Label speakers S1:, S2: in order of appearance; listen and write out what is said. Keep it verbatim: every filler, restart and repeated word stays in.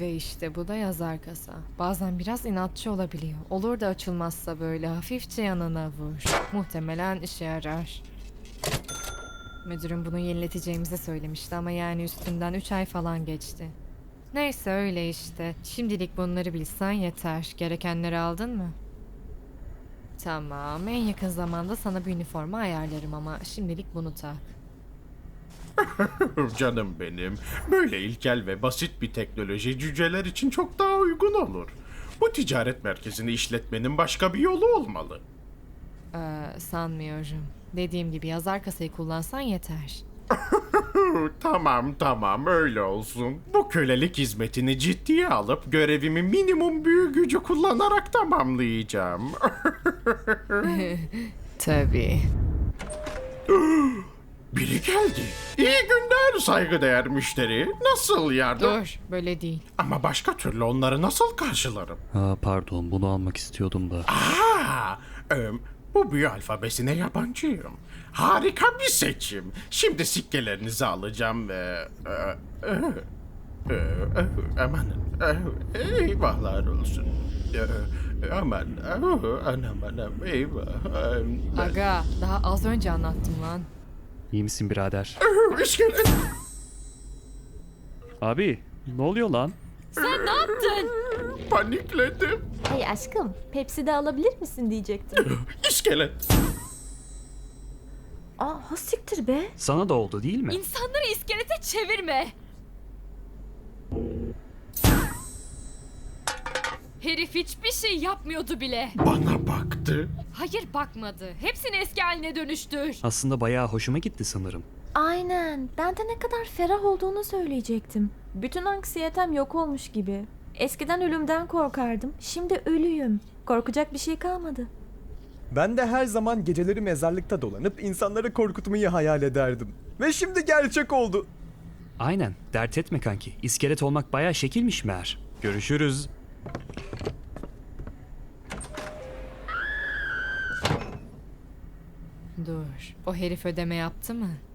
S1: Ve işte bu da yazar kasa. Bazen biraz inatçı olabiliyor. Olur da açılmazsa böyle hafifçe yanına vur. Muhtemelen işe yarar. Müdürüm bunu yenileteceğimizi söylemişti ama yani üstünden üç ay falan geçti. Neyse öyle işte. Şimdilik bunları bilsen yeter. Gerekenleri aldın mı? Tamam. En yakın zamanda sana bir üniforma ayarlarım ama şimdilik bunu tak.
S2: Canım benim. Böyle ilkel ve basit bir teknoloji cüceler için çok daha uygun olur. Bu ticaret merkezini işletmenin başka bir yolu olmalı.
S1: Ee, sanmıyorum. Dediğim gibi yazar kasayı kullansan yeter.
S2: Tamam tamam öyle olsun. Bu kölelik hizmetini ciddiye alıp görevimi minimum büyü gücü kullanarak tamamlayacağım.
S1: Tabii.
S2: Biri geldi. İyi günler saygıdeğer müşteri. Nasıl yardım?
S1: Dur, böyle değil.
S2: Ama başka türlü onları nasıl karşılarım?
S3: Aa, pardon, bunu almak istiyordum da.
S2: Aa, em, bu büyü alfabesine yabancıyım. Harika bir seçim. Şimdi sikkelerinizi alacağım ve... e, e, e, e, aman, e, eyvahlar olsun. E, e, aman, e, anam anam, eyvah. em, ben-
S1: Aga, daha az önce anlattım lan.
S3: İyi misin birader?
S2: e, İskelet.
S3: Abi, ne oluyor lan?
S1: Sen ne yaptın?
S2: Panikledim.
S4: Hey aşkım, Pepsi de alabilir misin diyecektim.
S2: İskelet.
S4: Aa, ha siktir be.
S3: Sana da oldu değil mi?
S1: İnsanları iskelete çevirme. Herif hiçbir şey yapmıyordu bile.
S2: Bana baktı.
S1: Hayır bakmadı. Hepsini eski haline dönüştür.
S3: Aslında bayağı hoşuma gitti sanırım.
S4: Aynen. Ben de ne kadar ferah olduğunu söyleyecektim. Bütün anksiyetem yok olmuş gibi. Eskiden ölümden korkardım. Şimdi ölüyüm. Korkacak bir şey kalmadı.
S5: Ben de her zaman geceleri mezarlıkta dolanıp insanları korkutmayı hayal ederdim. Ve şimdi gerçek oldu.
S3: Aynen, dert etme kanki. İskelet olmak bayağı şekilmiş meğer. Görüşürüz.
S1: Dur. O herif ödeme yaptı mı?